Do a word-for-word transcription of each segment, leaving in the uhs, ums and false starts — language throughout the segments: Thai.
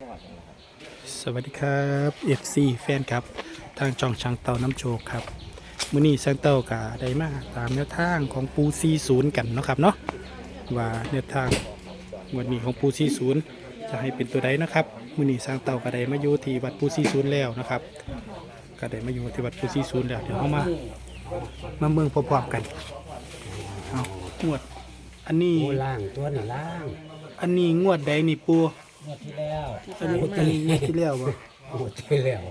สวัสดีครับ เอฟ ซี แฟนครับทางช่องช่างเต่าน้ำโชคครับมื้อนี้ช่างเต่าก็ได้มาตามแนวทางของปูสี่สิบกันเนาะครับเนาะว่าแนวทางวันนี้ของปูสี่สิบจะให้เป็นตัวใดนะครับมื้อนี้ช่างเต่าก็ได้มาอยู่ที่วัดปูสี่สิบแล้วนะครับก็ได้มาอยู่ที่วัดปูสี่สิบแล้วเดี๋ยวเฮามามาเมืองพร้อมๆกันเอางวดอันนี้โอ้ล่างตัวนี่ล่างอันนี้งวดใดนี่ปูงวดที่แล้วอันนี้อันนี้งวดที่แล้วบ่งวดที่แล้ว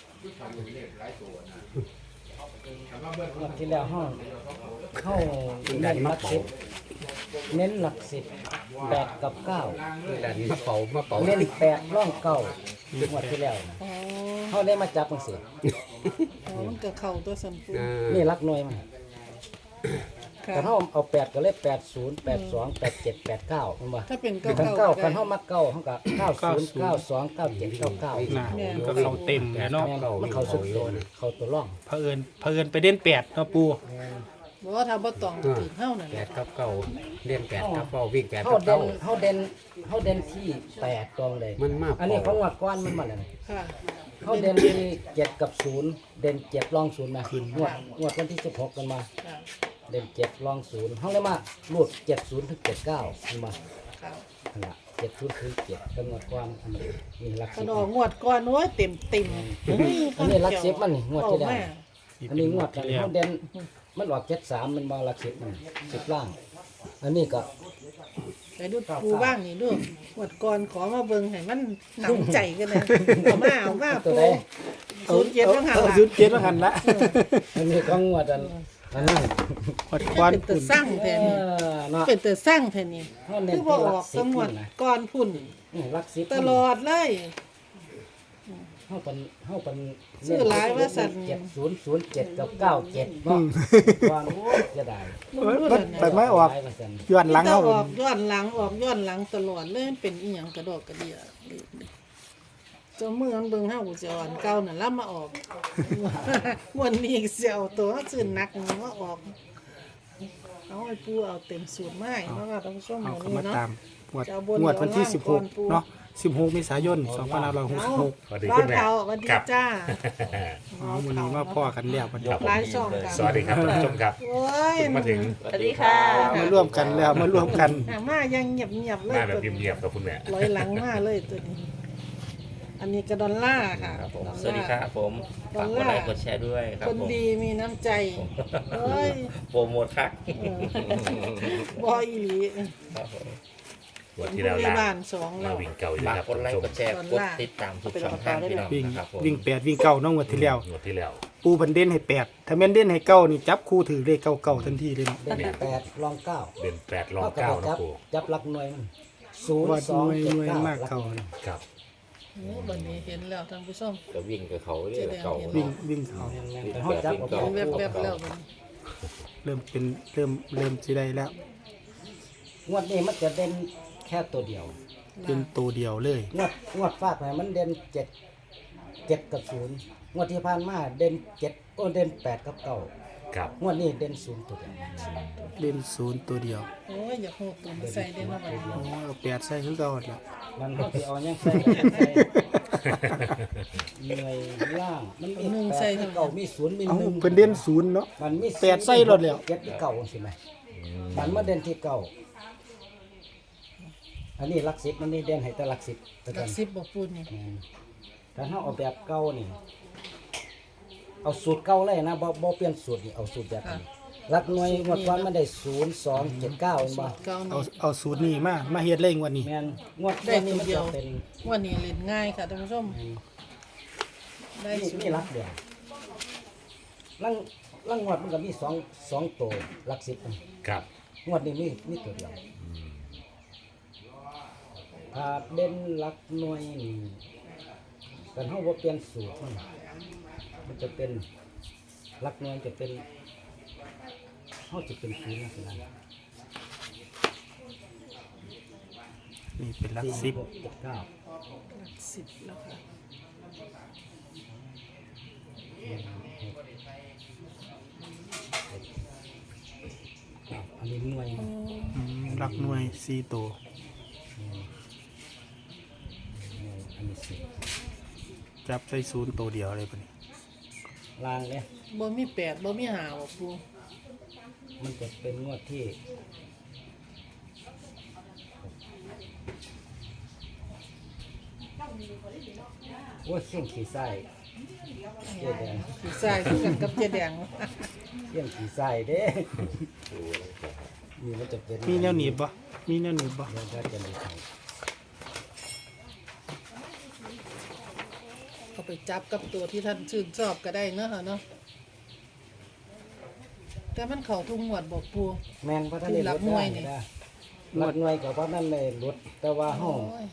งวดที่แล้วห้องเข้าเน้นหลักสิบเน้นหลักสิบแปดกับเก้าดันมาเป่ามาเป่าเน้นแปดร่องเก้างวดที่แล้วนะอ๋อเขาได้มาจับมันสิอ๋อมันก็เข้าตัวสันปูอ่านี่รักหน่วยมันค่ะแต่เขาเอาแปดก็เลขแปดศูนย์แปดสองแปดเจ็ดแปดเก้าเห็นป่ะถ้าเป็นกัเก้าน เก้าเก้าก็กันได้เขามาเก้าเขากับเก้าศูนย์เก้าสองเก้าเจ็ดเก้าเก้าน่ะก็เข้าเต็มแล้วเนาะแม่นมันเขาสุดโดนเขาตัวร่องเผอิญเผอิญไปเด่นแปดเนาะปูบอกว่าถ้าบ่ต้องตื่นเฮานั่นแปแหละดกับเก้าเล่นแปดกับเก้าวิ่งแปดเขากับเด่เก้านเขาเด่นเขาเด่นที่แปดกองเลยมันมาอันนี้เขางวดก้อนมันมาเลยค่ะเขาเด่นที่เจ็ดกับศูนย์เด่นเจ็ดรองศูนย์มาคืนงวดงวดวันที่สิบหกกันมาค่ะเด่นเจ็ดรองศูนย์เขาเลยมาลูดเจ็ดศูนย์ถึงเจ็ดเก้ามันมาค่ะขนาดเจ็ดศูนย์ถึงเจ็ดเป็นงวดก้อนอันนี้มีหลักกสิระบดอกงวดก่อนโอ้ยเต็มเต็มอันนี้หลักสิบมันนี่งวดที่แล้วเอาแม่อันนี้งวดกันที่แล้วเขาเด่นมันออกเจ็ดสามมันมาหลักสิบมันสิบล่าง อันนี้ก็ไปดูปูบ้างนี่ดูงวดก่อนขอมาเบิ่งให้มันหนำใจกันเลยเอามาเอามาตัวปูใดศูนย์เจ็ดต้องหาเอาหลังศูนย์เจ็ดแล้วหันละอันนี้ก็งวดอันอันนั้นหดควันเป็นตัวปุ่นสร้างแทนเอนี่อเนาะเป็นตัวสร้างแทนนี่เขาเน้นคือบ่ที่อหลัอก กสิสบงวดนี่นะก่อนพุ่นนี่หลักสิบตลอดเลยเขาเป็นเขาเป็นซื้อหลายว่าสั่นเจ็ดศูนย์ศูนย์เจ็ดกับเก้าเจ็ดเนาะก่อนโอ้ยจะได้เอ้ยมันไปไม่ออกหลายเปร์เซ็นต์ย้อนหลังเอาเอาออกย้อนหลังออกย้อนหลังตลอดเลยมันเป็นอีหยังกระดอกกระเดียเจ้ามือมันเบิ่งเฮากูจะอ่อนเก่านั่นแล้วมาออกงวันนี้เสียวตัวซื้อหนักนี่มาออกเอาไอ้ปูเอาเต็มสูตรมาให้เนาะค่ะท่านผู้ชมเอามื้อเข้านี้มาเนาะตามงวดจะเอาบนงวดวันที่เอาล่างสิบหกก่อนปูเนาะสิบหกเมษายนสองพันห้าร้อยหกสิบหกสวัสดีบ้าคุนณแม่เขาสวัสดีครับจ้าอ๋อวันนี้มาพ่อกันแล้ววันนี้หลายช่องกันสวัสดีครับท่านผู้ชมครับโอ้ยมาถึงสวัสดีค่ะมาร่วมกันแล้วมาร่วมกันอ่ะมายังเงียบๆเลหยน้าแบบตัวนี้เงียบๆครับคุณแม่ร้อยหลังมาเลยตัวนี้ อันนี้กระดอลล่าร์ค่ะครับผมดอลลาสวัสดีครับผมดอฝากลกดลาไลร์ค์กดแชร์ด้วยครับคนผมดีมีน้ำใจเฮ้ยโปรโมทคักบอยอีหลีครับผมวันเป็นที่ผู้แล้วใหญ่ล่าบ้านสองมาเราวิ่งเก่าอยู่ฝานะกครับกดไลค์ท่านกผู้ดชมแชร์กดติดตามทุกช่องทางพี่น้องวิ่งนะครับผมวิ่งแปดวิ่งเก้าน้องงวดที่แล้วงวดที่แล้วปูบันเด่นให้แปดถ้าแม่นเด่นให้เก้านี่จับคู่ถือเลขเก้าเก้าทันทีเลยเนาะเด่นแปดรองเก้าเด่นแปดรองก็เก้าจันะบปูจับหลักหน่วยมันศูนว่าย์สหองน่วยเจ็ดหน่วยเก้ามากหลักเก้าหน่วยครับโอ้บันนี้เห็นแล้วท่านผู้ชมก็วิ่งกับเขาเรื่อยๆเก่าวิ่งวิ่งเขาแต่เขาจับเอาเห็นแวบๆแล้วบัดนี้เริ่มเป็นเริ่มเริ่มสิได้แล้วงวดนี้มันจะเด่นแค่ตัวเดียวเป็นตัวเดียวเลยงวดงวดฟาดไปมันเด่นเจ็ดเจ็ดกับศูนย์งวดที่ผ่านมาเด่นเจ็ดก็เด่นแปดกับเก้าครับงวดนี้เด่นศูนย์ตัวเดียวเล่นศูนย์ตัวเดียวโอ้ยอยากโหดตัวมาใส่ได้เนาะบัดนี้โอ้เอาแปดใส่คือเก่าแล้วมันเขาที่เอายังใส่ก็ยังใส่เหนื่อยล่างมันมีแปดมีเก้ามีศูนย์มีเอาหนึ่งเพิ่นเด่นศูนย์เนาะมันมีแปดใส่รถแล้วเจ็ดที่เก่าใช่ไหมมันมาเด่นที่เก่าอันนี้หลักสิบมันนี่เด่นให้แต่หลักสิบแต่หลักักนสิบบ่ปูนี่อืมแต่ถ้าเอาแบบเก่านี่เอาสูตรเก่าเลยนะบ่บ่เปลี่ยนสูตรนี่เอาสูตรแบบนี้หลักหน่วยงวดก่อนมันได้ศูนย์สองเจ็ดเก้าเห็นบ่เก้าเอานี่เอาสูตรนี้มามาเฮ็ดเล่งวันนี้แม่นงวดได้นี้ตัวมันเดียจะวเป็นวันนี้เล่นง่ายค่ะท่านผู้ชม ได้นี่สุดนี่หลักเดียวลังลังงวดมันก็มีสองสองตัวหลักสิบครับงวดนี้มีมีตัวเดียวถ้าเด่นหลักหน่วยนี่กันเฮาบ่เปลี่ยนสูตรมันมันจะเป็นหลักหน่วยจะเป็นเฮาจะเป็นศูนย์นะสินะนี่เป็นหลักสิบหกเจ็ดเก้าหลักสิบแล้วค่ะอันนี้หน่วยอืมหลักหน่วยสี่ตัวอันนี้สิบจับใส่ศูนย์ตัวเดียวเลยปะนี่ลางเนี่ยบ่มีแปดบ่มีห้าบ่ปูมันจะเป็นงวดที่ว่าเสี่ยงขี่ไส้เจ๊แดงสีใส่คือกันกับเจ๊แดงเสี่ยงขี่ไส้เด้นี่มันจะเป็นมีแนวหนีบบ่มีแนวหนีบบ่เดี๋ยวก็จะมีไข่เอาไปจับกับตัวที่ท่านชื่นชอบก็ได้เนาะค่ะเนาะแต่มันเข้าทุกงวดบ่ปูแมนเพราะท่านได้รัลบดหน่วยได้นี่ได้รับหน่วยกับเพราะนั่นเลยลดแต่ว่าห้องโอ้ย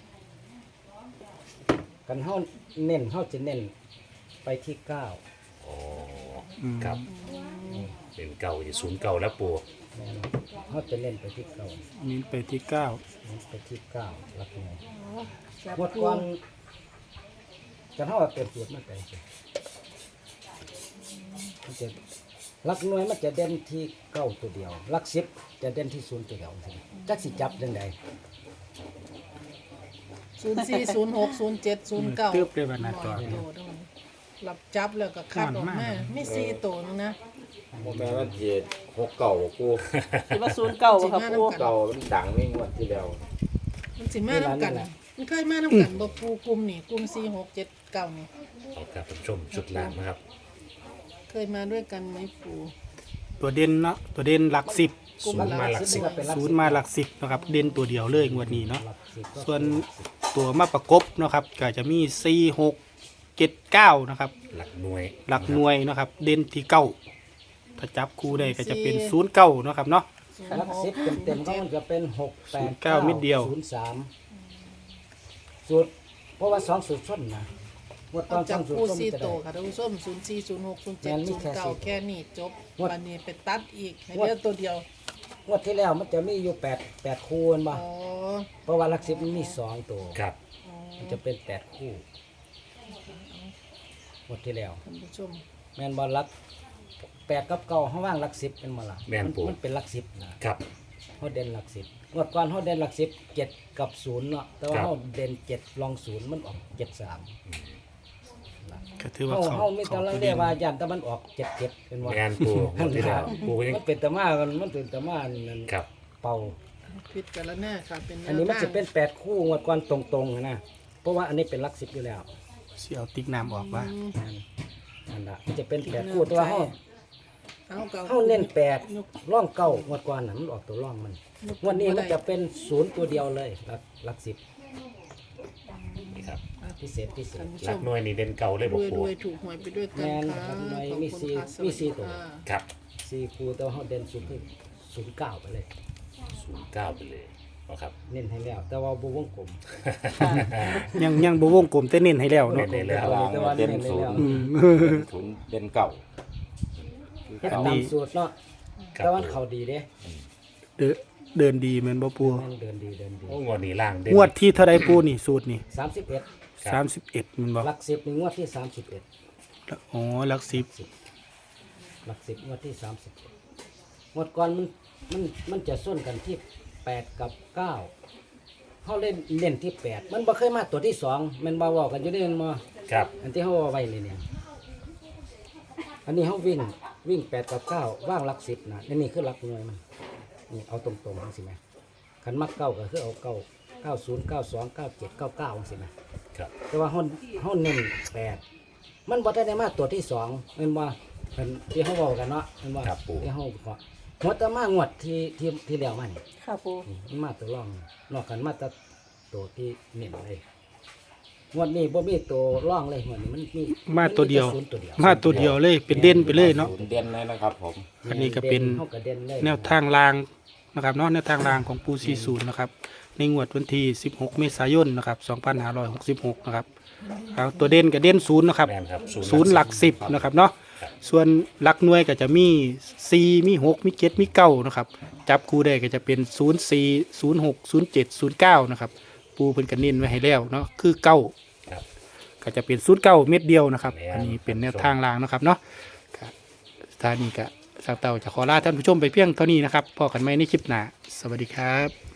กันห้องเน้นห้องจะเน้นไปที่เก้าโอ้อืมครับเป็นเก่าอยู่ศูนย์เก่าแล้วปูแม่นห้องจะเน้นไปที่เก้ามีไปที่เก้าเน้นไปที่เก้ารับหน่วยจับงวดปูก่อนกันห้องเต็มสูตรมาแต่มันจะลักหน่วยมันจะเด่นที่เก้าตัวเดียวลักสิบจะเด่นที่ศูนย์ตัวเดียวใช่ไหมจักสิจับยังไงศูนย์สี่ ศูนย์หก ศูนย์เจ็ด ศูนย์เก้าตึ๊บเลยบัดหน้าจอหลับจับแล้วก็คัดออกมามีสี่ตัวนึงนะโมแม่มันเจ็ดหกเก่ากูคิดว่าศูนย์เก่าครับปูเก่ามันดังไม่งวดที่แล้วมันสิมาน้ำกัน มันเคยมาน้ำกันบ่ปูกลุ่มนี่กลุ่มสี่หกเจ็ดเก้านี่เอาครับท่านผู้ชมชุดล่างนะครับเคยมาด้วยกันไหมปูตัวเด่นเนาะตัวเด่นหลักสิบกลุ่มศูนย์มาหลักสิบเป็นศูนย์มาหลักสิบนะครับเด่นตัวเดียวเลยงวดนี้เนาะหลักสิบก็ส่วนตัวมาประกบเนาะครับก็จะมีสี่หกเจ็ดเก้านะครับหลักหน่วยหลักหน่วยเนาะครับเด่นที่เก้าถ้าจับคู่ได้ก็จะเป็นศูนย์เก้าเนาะครับเนาะหลักสิบเต็มๆก็มันจะเป็นหกแปดเก้าเม็ดเดียวศูนย์สามสูตรเพราะว่าสองสูตรส้นนะงวดตเอาอนสจัอบ งสูตรปูส้นสี่จะโตได้ค่ะท่านผู้ชมศูนย์สี่ ศูนย์หก ศูนย์เจ็ดแม่นมีศูนแค่ย์เก้าสิบแค่นี้จบงวดวันนี้ไปตัดอีกให้เหลือตัวเดียวงวดที่แล้วมันจะมีอยู่แปดแปดคู่แม่นบ่อ๋อเพราะว่าหลักสิบมันมีสองตัวครับมันจะเป็นแปดคู่งวดที่แล้วท่านผู้ชมแม่นบอลลักแปดกับเก้าเขาว่างหลักสิบเป็นมาละแม่นปูมันเป็นหลักสิบนะครับ เขาเด่นหลักสิบงวดก่อนเขาเด่นหลักสิบเจ็ดกับศูนย์เนาะแต่ว่าครับเขาเด่นเจ็ดลองศูนย์มันออกเจ็ดสามก็ถือว่าเขาเขาเขาไม่เขาต้องตัวเรีเด่ยกนว่ายันแต่มันออกเจ็ดเจ็ดเป็นว่างานปูงวดที่แล้วปูก็ยังมันเป็นตะมากันมันเป็นตะมานั่นครับเป่าพิจารณาค่ะเป็นแนวอันนี้มันทางจะเป็นแปดคู่งวดก่อนตรงๆนะเพราะว่าอันนี้เป็นหลักสิบอยู่แล้วสิเอาติ๊กน้ำออกว่านั่นนั่นละมันจะเป็นแปดคู่แตัวาเขาเอาเก่าเขาเน้นแปดร่องเก้างวดก่อนน่ะมันออกตัวร่องมัน งวันนี้มันจะเป็นศูนย์ตัวเดียวเลยหลักหลักสิบนี่ครับพิเศษพิเศษท่านผู้หชลักมหน่วยนี่เด่นเก่าเลยรบอกวยปูรวยถูกหวยไปด้วยกันแม่นค่ะครับหน่วยขอบมีคุณสี่ค่ะสมีวัสสี่ดีตัวค่ะครับสี่คู่แต่ว่าเขาเด่นศูนย์คือศูนย์เก้าไปเลยศูนย์เก้าไปเลยนะครับเน้นให้แล้ว แต่ว่าบุวงกลมยังยังบ่วงกลมแต่เน้นให้แล้วเนาะเน้นให้แล้วแต่ว่าเน้นให้แล้วอืมศูนย์เด่นเก่าเฮ็ดอันตานี้มสูตรเนาะครับแต่ว่าเขาดีเด้เดินเดินดีแม่นบ่ปูแม่นเดินดีเดินดีโอ้งวดนี้ล่างเด่นงวดที่เท่าใดปูนี่สูตรนี่สามสิบเอ็ดสามสิบเอ็ดมันบ่หลักสิบนี่งวดที่สามสิบเอ็ดอ๋อหลักสิบหลักสิบงวดที่สามสิบงวดก่อนมันมันมันจะส้นกันที่แปดกับเก้าเขาเล่นเล่นที่แปดมันบ่เคยมาตัวที่สองแมันบ่เว้ากันอยู่ได้แมันบ่ครับอันที่เขาเอาไว้เลยเนี่ย อันนี้เขาวิ่งวิ่งแปดกับเก้าว่างหลักสิบนะอันนี้คือหลักหน่วยมัน นี่เอาตรงๆสิไหมขันมักเก้าก็คือเอาเก้าเก้าศูนย์เก้าสองเก้าเจ็ดเก้าเก้าสิไหมครับแต่ว่าเขาเขาเน้นแปดมันบ่ได้มาตัวที่สองเห็นว่าเป็นที่เขาบอกกันเนาะเห็นว่าครับปู่ที่เขาบอกงวดแตะมางวดที่ที่ที่แล้วมานี่ค่ะปูนี่มันมาตัวร่องนอกกันมาแต่ตัวที่เน้นเลยงวดนี้บ่มีตัวร่องเลยงวดนี้มันมีมาตัวเดียวศูนตัวเดียวมาตัวเดียวเลยเป็นเด่นไปเลยเนาะศูนย์เด่นเลยนะครับผมอันนี้ก็เป็นเขาก็เด่นเลยแนวทางรางนะครับเนาะแนวทางรางของปูซีศูนย์นะครับในงวดวันที่สิบหกเมษายนนะครับสองพันห้าร้อยหกสิบหกนะครับเอาตัวเด่นกับเด่นศูนย์นะครับแม่นครับศูนย์หลักสิบนะครับเนาะส่วนหลักหน่วยก็จะมีสี่มีหกมีเจ็ดมีเก้านะครับจับคู่ได้ก็จะเป็นศูนย์สี่ศูนย์หกศูนย์เจ็ดศูนย์เก้านะครับปูเพิ่นก็เน้นไว้ให้แล้วเนาะคือเก้าครับก็จะเป็นศูนย์เก้าเม็ดเดียวนะครับแม่นอันนี้เป็นแนวทางรางนะครับเนาะครับสถานีก็สาวเต่าจะขอลาท่านผู้ชมไปเพียงเท่านี้นะครับพอกันไหมในคลิปหน้าสวัสดีครับ